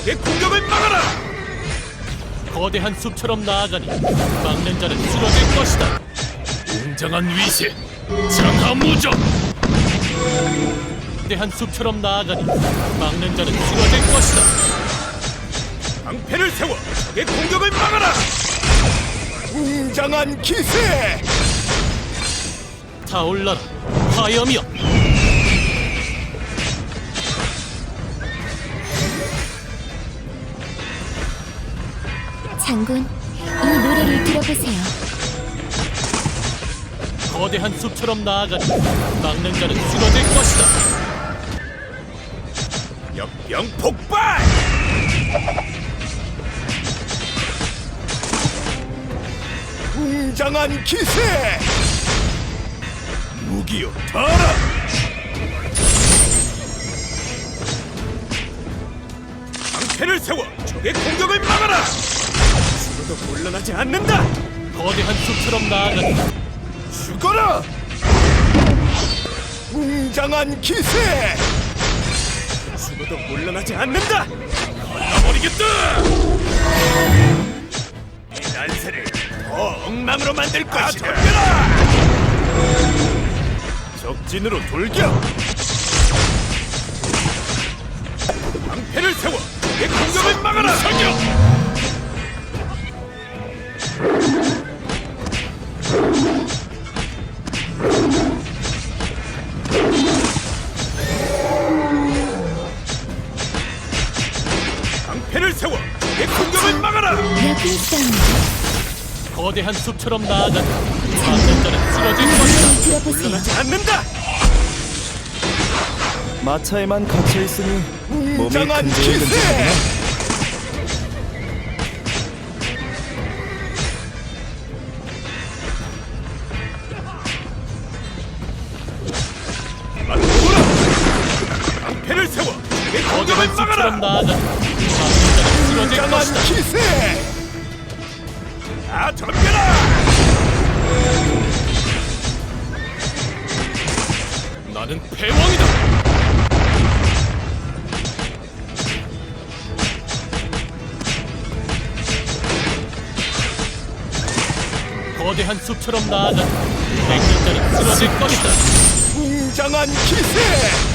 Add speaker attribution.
Speaker 1: 적의 공격을 막아라!
Speaker 2: 거대한 숲처럼 나아가니 막는 자는 쓰러질 것이다. 웅장한 위세, 장하무적. 거대한 숲처럼 나아가니 막는 자는 쓰러질 것이다.
Speaker 1: 방패를 세워 적의 공격을 막아라! 웅장한 기세!
Speaker 2: 타올라라, 화염이여.
Speaker 3: 장군, 이 노래를 들어보세요.
Speaker 2: 거대한 숲처럼 나아가니 막는 자는 쓰러질 것이다.
Speaker 1: 역병 폭발! 웅장한 기세! 무기여 타라! 방패를 세워 적의 공격을 막아라! 죽어도 물러나지 않는다!
Speaker 2: 거대한 숲처럼 나아가니
Speaker 1: 죽어라! 웅장한 기세! 죽어도 물러나지 않는다! 갈라버리겠다! 이 난세를 더 엉망으로 만들 것이다! 덤벼라! 적진으로 돌격! 방패를 세워 적의 공격을 막아라! 사격! 방패를 세워 적의 공격을 막아라!
Speaker 3: 여기 있습니다.
Speaker 2: 거대한 숲처럼 나아가니 막는 자는 쓰러질 것이다.
Speaker 3: 노래를 들어보세요.
Speaker 1: 물러나지 않는다!
Speaker 4: 마차에만 갇혀 있으니 몸이
Speaker 1: 웅장한
Speaker 4: 근질근질하구나.
Speaker 1: 기세! 방패를 세워 적의 공격을
Speaker 2: 거대한
Speaker 1: 막아라!
Speaker 2: 숲처럼 나아가니 막는 자는 쓰러질
Speaker 1: 웅장한
Speaker 2: 것이다.
Speaker 1: 기세! 다 덤벼라!
Speaker 2: 나는 패왕이다. 거대한 숲처럼 나아가니 막는 자는 쓰러질 것이다.
Speaker 1: 웅장한 기세!